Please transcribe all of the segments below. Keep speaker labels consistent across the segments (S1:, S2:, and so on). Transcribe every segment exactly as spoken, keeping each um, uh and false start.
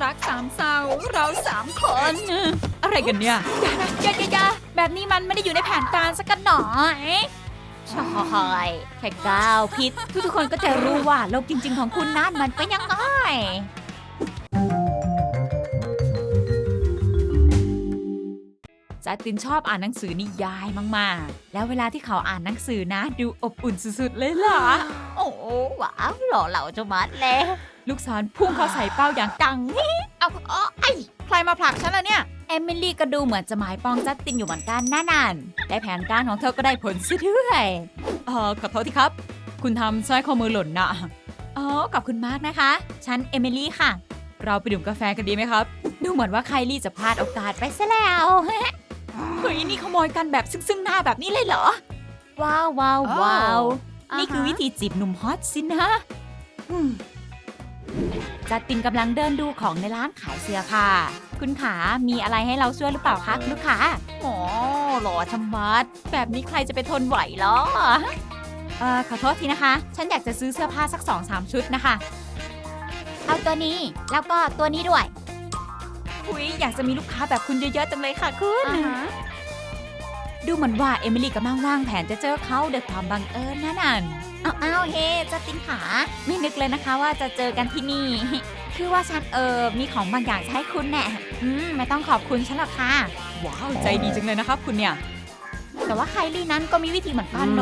S1: รักสามเศร้าเราสามคนอะไรกันเนี่ยอย่าอย่าอย่าแบบนี้มันไม่ได้อยู่ในแผนการสักหน่อยใช่แค่ก้าวผิดทุกๆคนก็จะรู้ว่าโลกจริงๆของคุณนั้นมันเป็นยังไงจัสตินชอบอ่านหนังสือนิยายมากๆแล้วเวลาที่เขาอ่านหนังสือนะดูอบอุ่นสุดๆเลยล่ะโอ้ว้าวหล่อเหลาจะมัดเลยลูกศรพุ่งเข้าใส่เป้าอย่างจังเอาเอาไอ้ใครมาผลักฉันล่ะเนี่ยเอมิลี่ก็ดูเหมือนจะหมายปองจัสตินอยู่เหมือนกันน่านันและแผนการของเธอก็ได้ผลซะด้วยเออขอโทษทีครับคุณทำสร้อยข้อมือหล่นนะอ๋อขอบคุณมากนะคะฉันเอมิลี่ค่ะเราไปดื่มกาแฟกันดีไหมครับดูเหมือนว่าไคลี่จะพลาดโอกาสไปซะแล้วเฮ้ยนี่ขโมยกันแบบซึ่งๆหน้าแบบนี้เลยเหรอว้าวว้าวว้าวนี่คือวิธีจีบหนุ่มฮอตสินะจัสตินกำลังเดินดูของในร้านขายเสื้อค่ะคุณขามีอะไรให้เราช่วยหรือเปล่าคะลูกค้าโอ้หล่อชะมัดแบบนี้ใครจะไปทนไหวหรอเอ่อขอโทษทีนะคะฉันอยากจะซื้อเสื้อผ้าสัก สองสาม ชุดนะคะเอาตัวนี้แล้วก็ตัวนี้ด้วยอุ๊ยอยากจะมีลูกค้าแบบคุณเยอะๆจังเลยค่ะคุณ uh-huh. ดูเหมือนว่าเอมิลี่กำลังวางแผนจะเจอเขาด้วยความบังเอิญนั่นน่ะอ้าวอ้าวเฮ้จัสตินขาไม่นึกเลยนะคะว่าจะเจอกันที่นี่คือว่าฉันเออมีของบางอย่างจะให้คุณแน่อืมไม่ต้องขอบคุณฉันหรอกค่ะว้าวใจดีจังเลยนะครับคุณเนี่ยแต่ว่าไคลี่นั้นก็มีวิธีเหมือนกันโน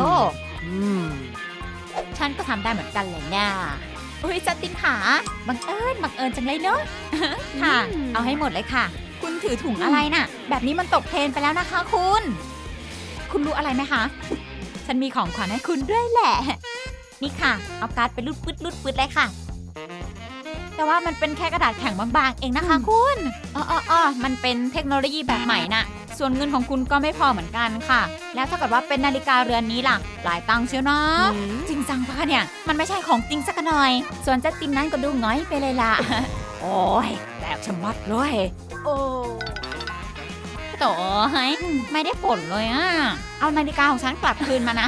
S1: ฉันก็ทำได้เหมือนกันเลยเนี่ยอุ้ยจัสตินขาบังเอิญบังเอิญจังเลยเนาะค่ะเอาให้หมดเลยค่ะคุณถือถุงอะไรน่ะแบบนี้มันตกเทรนไปแล้วนะคะคุณคุณรู้อะไรไหมคะฉันมีของขวัญให้คุณด้วยแหละนี่ค่ะเอาการ์ดไปรูดปืดรูดปืดเลยค่ะแต่ว่ามันเป็นแค่กระดาษแข็งบางๆเองนะคะคุณอ๋ออ๋อมันเป็นเทคโนโลยีแบบใหม่น่ะส่วนเงินของคุณก็ไม่พอเหมือนกันค่ะแล้วถ้าเกิดว่าเป็นนาฬิกาเรือนนี้ล่ะหลายตังค์เชียวนะจริงจังปะเนี่ยมันไม่ใช่ของจริงสักหน่อยส่วนจัสตินนั้นก็ดูง้อยไปเลยล่ะโอ้ยแบบชะมัดเลยโอ้โถ่ไม่ได้ผลเลยอ่ะเอานาฬิกาของฉันกลับคืนมานะ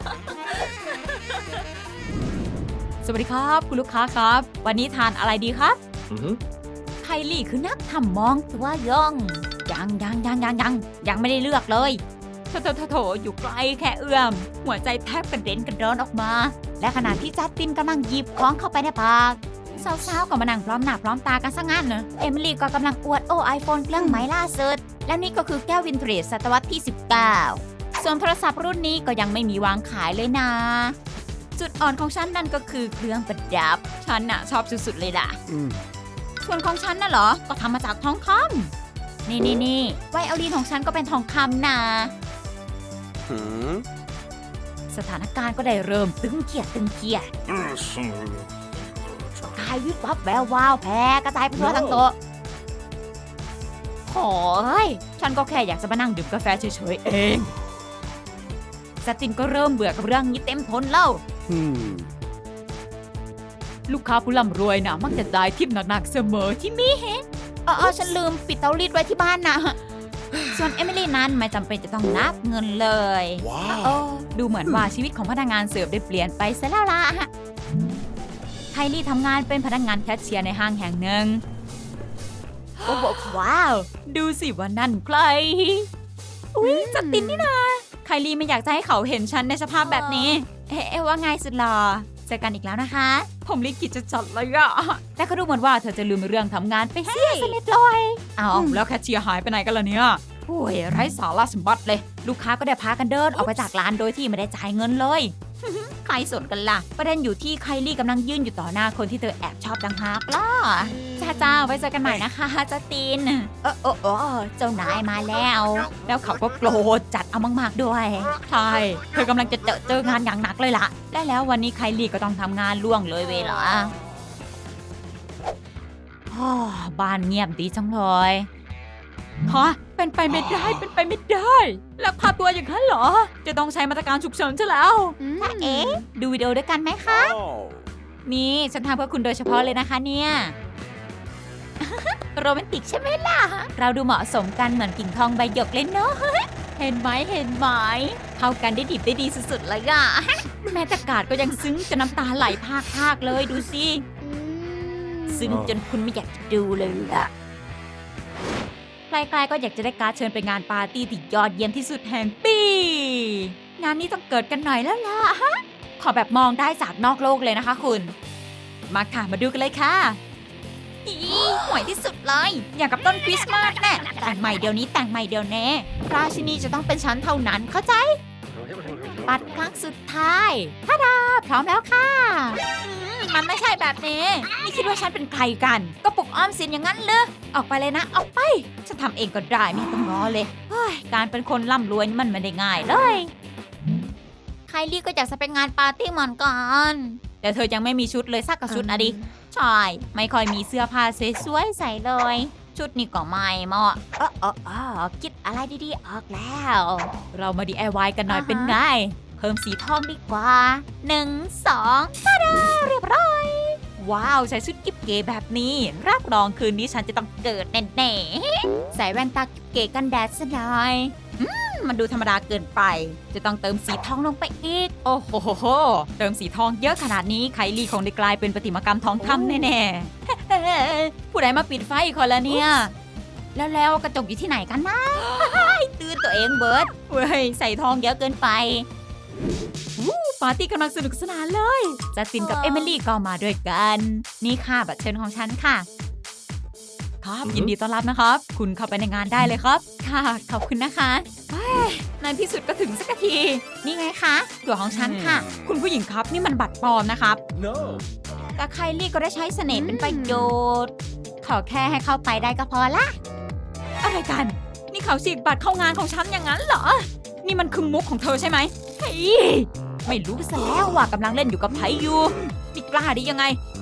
S1: สวัสดีครับคุณลูกค้าครับวันนี้ทานอะไรดีครับ mm-hmm. ไคลี่คือนักทำมองตัวย่องยังยังยังยังยังยังไม่ได้เลือกเลยโถโถโถโถอยู่ไกลแค่เอื้อมหัวใจแทบกระเด็นกระดอนออกมาและขณะที่จัสตินกำลังหยิบของเข้าไปในปากสาวๆก็มานั่งพร้อมหน้าพร้อมตากันซะงั้นนะเอมิลี่ก็กำลังอวดโอ้ไอโฟนเครื่องใหม่ล่าสุดและนี่ก็คือแก้ววินเทจศตวรรษที่สิบเก้าส่วนโทรศัพท์รุ่นนี้ก็ยังไม่มีวางขายเลยนะจุดอ่อนของฉันนั่นก็คือเครื่องประดับฉันน่ะชอบสุดๆเลยล่ะส่วนของฉันน่ะเหรอก็ทำมาจากทองคำนี่นี่นี่ไวโอลินของฉันก็เป็นทองคำนะสถานการณ์ก็ได้เริ่มตึงเครียดตึงเครียดกายวิบวับแวววาวแพ้กระจายไปทั่วทั้งโต๊ะโอ้ยฉันก็แค่อยากจะมานั่งดื่มกาแฟเฉยๆเองจัสตินก็เริ่มเบื่อกับเรื่องนี้เต็มทนแล้วลูกค้าผู้ร่ำรวยนะมักจะได้ทิปหนักๆเสมอที่มีเห็นอ๋อฉันลืมปิดเตารีดไว้ที่บ้านนะส่วนเอมิลี่นั้นไม่จำเป็นจะต้องนับเงินเลยว้าวดูเหมือนว่าชีวิตของพนักงานเสิร์ฟได้เปลี่ยนไปซะแล้วล่ะไคลี่ทำงานเป็นพนักงานแคชเชียร์ในห้างแห่งหนึ่งโอ้โหว้าวดูสิว่านั่นใครอุ๊ยจัสตินนี่นะไคลี่ไม่อยากจะให้เขาเห็นฉันในสภาพแบบนี้เอ๊ะว่าไงสุดหล่อเจอกันอีกแล้วนะคะผมลิขิตจะจัดเลยอะแต่ก็ดูเหมือนว่าเธอจะลืมเรื่องทำงานไปเสียสนิทเลยเอาแล้วแคชเชียร์หายไปไหนกันล่ะเนี่ยโอ้ยไร้สาระสมบัติเลยลูกค้าก็ได้พากันเดินออกไปจากร้านโดยที่ไม่ได้จ่ายเงินเลยใครสนกันล่ะประเด็นอยู่ที่ไคลี่กำลังยืนอยู่ต่อหน้าคนที่เธอแอบชอบดังฮากล่ะจ้าจ้าไว้เจอกันใหม่นะคะจัสตินเออเออเออเจ้านายมาแล้วแล้วเขาก็โกรธจัดเอามากๆด้วยใช่เธอกำลังจะเจอเจองานอย่างหนักเลยล่ะและแล้ววันนี้ไคลี่ก็ต้องทำงานล่วงเลยเวลาบ้านเงียบดีจังเลยฮะเป็นไปไม่ได้เป็นไปไม่ได้ลักพาตัวอย่างนั้นเหรอจะต้องใช้มาตรการฉุกเฉินใช่แล้วถ้าเอ๊ะดูวิดีโอด้วยกันไหมคะนี่ฉันทำเพื่อคุณโดยเฉพาะเลยนะคะเนี่ยโรแมนติกใช่ไหมล่ะเราดูเหมาะสมกันเหมือนกิ่งทองใบหยกเลยเนาะเห็นไหมเห็นไหมเข้ากันได้ดิบได้ดีสุดๆเลยอะแม้แต่กาดก็ยังซึ้งจนน้ำตาไหลพากๆเลยดูสิซึ่งจนคุณไม่อยากจะดูเลยล่ะใกล้ๆก็อยากจะได้การ์ดเชิญไปงานปาร์ตี้ที่ยอดเยี่ยมที่สุดแห่งปีงานนี้ต้องเกิดกันหน่อยแล้วล่ะฮะขอแบบมองได้จากนอกโลกเลยนะคะคุณมาค่ะมาดูกันเลยค่ะอีห่วยที่สุดเลยอย่างกับต้นคริสต์มาสแน่แต่งใหม่เดี๋ยวนี้แต่งใหม่เดี๋ยวแน่ราชินีจะต้องเป็นฉันเท่านั้นเข้าใจปัดครั้งสุดท้ายท่าดาพร้อมแล้วค่ะมันไม่ใช่แบบนี้นี่คิดว่าฉันเป็นใครกันก็ปลุกอ้อมสินอย่างนั้นเลยออกไปเลยนะออกไปฉันทำเองก็ได้ไม่ต้องง้อเลยเฮ้ยการเป็นคนร่ำรวยมันไม่ได้ง่ายเลยไคลี่ก็อยากจะไปงานปาร์ตี้เหมือนกันแต่เธอยังไม่มีชุดเลยสักกระชุดนะดิใช่ไม่ค่อยมีเสื้อผ้าสวยๆใส่เลยชุดนี้ก็ไม่เหมาะเออเออเออคิดอะไรดีๆออกแล้วเรามา ดี ไอ วาย กันหน่อย uh-huh. เป็นไงเพิ่มสีทองดีกว่าหนึ่ง สองตาดาเรียบร้อยว้าวใส่ชุดกิ๊บเก๋แบบนี้รับรองคืนนี้ฉันจะต้องเกิดแน่ๆใส่แว่นตากิ๊บเก๋กันแดดซะหน่อยอืมมันดูธรรมดาเกินไปจะต้องเติมสีทองลงไปอีกโอ้โหเติมสีทองเยอะขนาดนี้ไคลี่คงได้กลายเป็นประติมากรรมทองคำแน่ๆผู้ใดมาปิดไฟคนละเนี่ยแล้วแล้วกระจกอยู่ที่ไหนกันนะตื่นตัวเองเบิร์ดเว้ยใส่ทองเยอะเกินไปปาร์ตี้กำลังสนุกสนานเลยจัสตินกับเอมิลี่ก็มาด้วยกันนี่ค่ะบัตรเชิญของฉันค่ะครับยินดีต้อนรับนะครับคุณเข้าไปในงานได้เลยครับค่ะขอบคุณนะคะในที่สุดก็ถึงสักทีนี่ไงคะตั๋วของฉันค่ะคุณผู้หญิงครับนี่มันบัตรปลอมนะครับ no. แต่ไคลี่ก็ได้ใช้เสน่ห์เป็นประโยชน์ขอแค่ให้เข้าไปได้ก็พอละอะไรกันนี่เขาฉีกบัตรเข้างานของฉันอย่างนั้นเหรอนี่มันคือมุกของเธอใช่ไหมเฮ้ยไม่รู้ซะแล้วว่ากำลังเล่นอยู่กับไผอยู่นี่กล้าได้ยังไง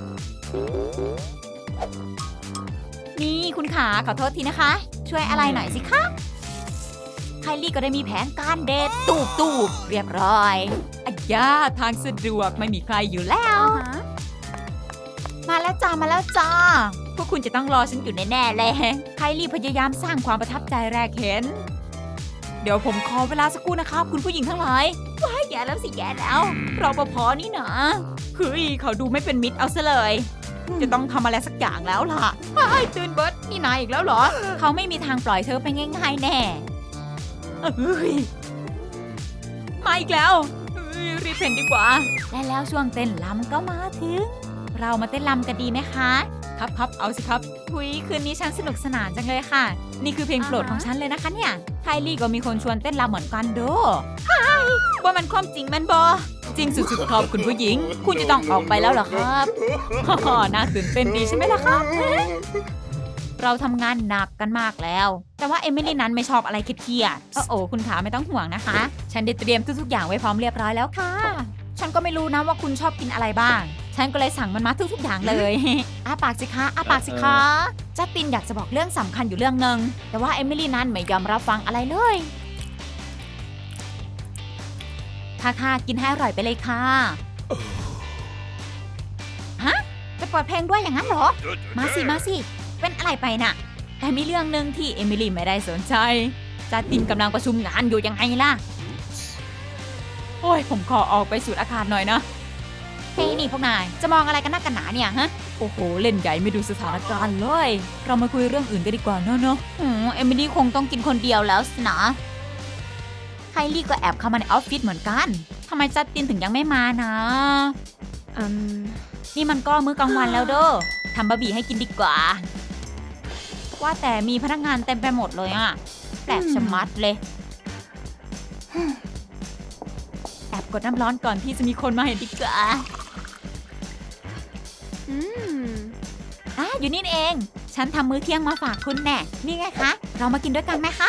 S1: นี่คุณขาขอโทษทีนะคะช่วยอะไรหน่อยสิคะไคลี่ก็ได้มีแผนการเดทตูบตูบเรียบร้อยอ่ะย่าทางสะดวกไม่มีใครอยู่แล้ว uh-huh. มาแล้วจ้ามาแล้วจ้าพวกคุณจะต้องรอฉันอยู่แน่ๆเลยไคลี่พยายามสร้างความประทับใจแรกเห็นเดี๋ยวผมขอเวลาสักครู่นะครับคุณผู้หญิงทั้งหลายว้ายแย่แล้วสิแย่แล้วรปภนี่นะเฮ้ยเขาดูไม่เป็นมิตรเอาซะเลยจะต้องทำอะไรสักอย่างแล้วล่ะไอ้ตื่นเบิร์ดนี่นายอีกแล้วเหรอเขาไม่มีทางปล่อยเธอไปง่ายๆแน่เฮ้ยมาอีกแล้วรีบเพ่นดีกว่าและแล้วช่วงเต้นรำก็มาถึงเรามาเต้นรำกันดีไหมคะครับครับเอาสิครับหุยคืนนี้ฉันสนุกสนานจังเลยค่ะนี่คือเพลงโปรดของฉันเลยนะคะเนี่ยไคลี่ก็มีคนชวนเต้นรำเหมือนกันดูว่ามันความจริงมันบอจริงสุดๆครับคุณผู้หญิงคุณจะต้องออกไปแล้วเหรอครับฮ่าน่าตื่นเต้นดีใช่ไหมล่ะครับเราทำงานหนักกันมากแล้วแต่ว่าเอมิลี่นั้นไม่ชอบอะไรเครียดๆโอ้คุณขาไม่ต้องห่วงนะคะฉันได้เตรียมทุกๆอย่างไว้พร้อมเรียบร้อยแล้วค่ะฉันก็ไม่รู้นะว่าคุณชอบกินอะไรบ้างฉันก็เลยสั่งมันมาทุกๆอย่างเลยอ้าปากสิคะอ้าปากสิคะจัสตินอยากจะบอกเรื่องสำคัญอยู่เรื่องนึงแต่ว่าเอมิลี่นั้นไม่ยอมรับฟังอะไรเลยค่ะค่ะกินให้อร่อยไปเลยค่ะฮะจะเปิดเพลงด้วยอย่างนั้นเหรอมาสิมาสิเป็นอะไรไปน่ะแต่มีเรื่องนึงที่เอมิลี่ไม่ได้สนใจจัสตินกำลังประชุมงานอยู่ยังไงล่ะโอ้ยผมขอออกไปสูดอากาศหน่อยนะเฮ้ยนี่พวกนายจะมองอะไรกันนักกันหนาเนี่ยฮะโอ้โหเล่นใหญ่ไม่ดูสถานการณ์เลยเรามาคุยเรื่องอื่นกันดีกว่าเนอะเนอะอืมเอมิลี่คงต้องกินคนเดียวแล้วสินะไคลี่ก็แอบเข้ามาในออฟฟิศเหมือนกันทำไมจัสตินถึงยังไม่มานะอืมนี่มันก็มื้อกลางวันแล้วเด้อทำบะหมี่ให้กินดีกว่าว่าแต่มีพนักงานเต็มไปหมดเลยอะแปลกชะมัดเลยแอบกดน้ำร้อนก่อนที่จะมีคนมาเห็นดีกว่าอืมอ่ะอยู่นี่เองฉันทำมื้อเที่ยงมาฝากคุณแน่นี่ไงคะเรามากินด้วยกันไหมคะ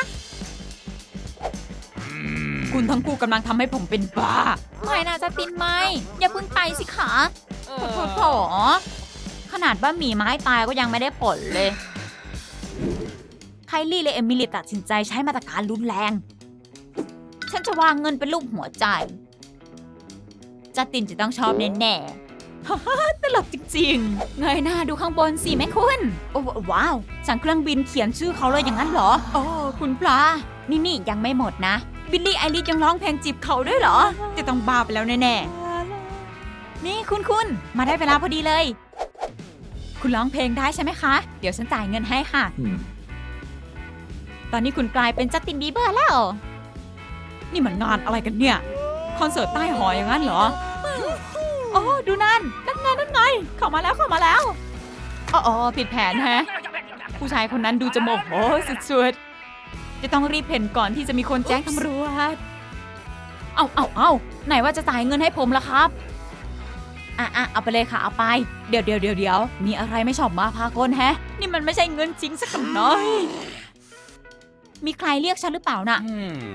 S1: คุณทั้งคู่กำลังทำให้ผมเป็นบ้าไม่นะจัสตินไม่อย่าเพิ่งไปสิคะโถโถขนาดบะหมี่ไม้ตายก็ยังไม่ได้ผลเลยไคลี่และเอมิลี่ตัดสินใจใช้มาตรการรุนแรงฉันจะวางเงินเป็นรูปหัวใจจัสตินจะต้องชอบแน่ๆฮ่าตลกจริงๆเงยหน้าดูข้างบนสิแม่คุณโอ้ว้าวสั่งเครื่องบินเขียนชื่อเขาเลยอย่างนั้นเหรอโอ้คุณพระนี่นี่ยังไม่หมดนะบิลลี่ไอริสยังร้องเพลงจีบเขาด้วยเหรอจะต้องบ้าไปแล้วแน่ๆนี่คุณคุณมาได้เวลาพอดีเลยคคุณร้องเพลงได้ใช่ไหมคะ เดี๋ยวฉันจ่ายเงินให้ค่ะ
S2: Hmm.
S1: ตอนนี้คุณกลายเป็นจัสตินบีเบอร์แล้ว นี่มันงานอะไรกันเนี่ย คอนเสิร์ตใต้หออย่างนั้นเหรอโอ้ดูนั่น นั่นไงนั่นไง เข้ามาแล้วเข้ามาแล้วอ๋ออ๋อผิดแผนแฮะ ผู้ชายคนนั้นดูจะโมโหสุดๆ จะต้องรีบเพ่นก่อนที่จะมีคนแจ้งตำรวจ เอาเอาเอาไหนว่าจะจ่ายเงินให้ผมล่ะครับ อ่ะอ่ะเอาไปเลยค่ะเอาไป เดี๋ยวเดี๋ยวเดี๋ยวเดี๋ยวมีอะไรไม่ชอบมาพากลแฮะ นี่มันไม่ใช่เงินจริงสักหน่อย มีใครเรียกฉันหรือเปล่าน่ะ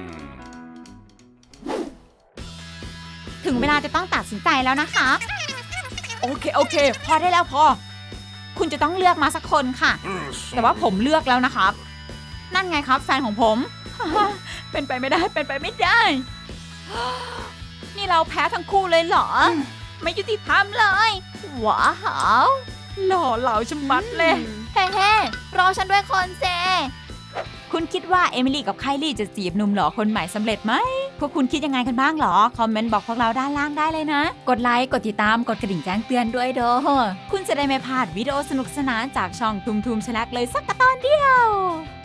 S1: ถึงเวลาจะต้องตัดสินใจแล้วนะคะ โอเคโอเค พอได้แล้วพอ คุณจะต้องเลือกมาสักคนค่ะ แต่ว่าผมเลือกแล้วนะครับ นั่นไงครับแฟนของผม เป็นไปไม่ได้เป็นไปไม่ได้ นี่เราแพ้ทั้งคู่เลยเหรอ ไม่ยุติธรรมเลยว้าวหล่อเหลาชะมัดเลยเฮ้เฮ้รอฉันด้วยคนเซคุณคิดว่าเอมิลี่กับไคลี่จะจีบหนุ่มหล่อคนใหม่สำเร็จไหมพวกคุณคิดยังไงกันบ้างหรอคอมเมนต์บอกพวกเราด้านล่างได้เลยนะกดไลค์กดติดตามกดกระดิ่งแจ้งเตือนด้วยเด้อคุณจะได้ไม่พลาดวิดีโอสนุกสนานจากช่องทุมทุมชลักเลยสักตอนเดียว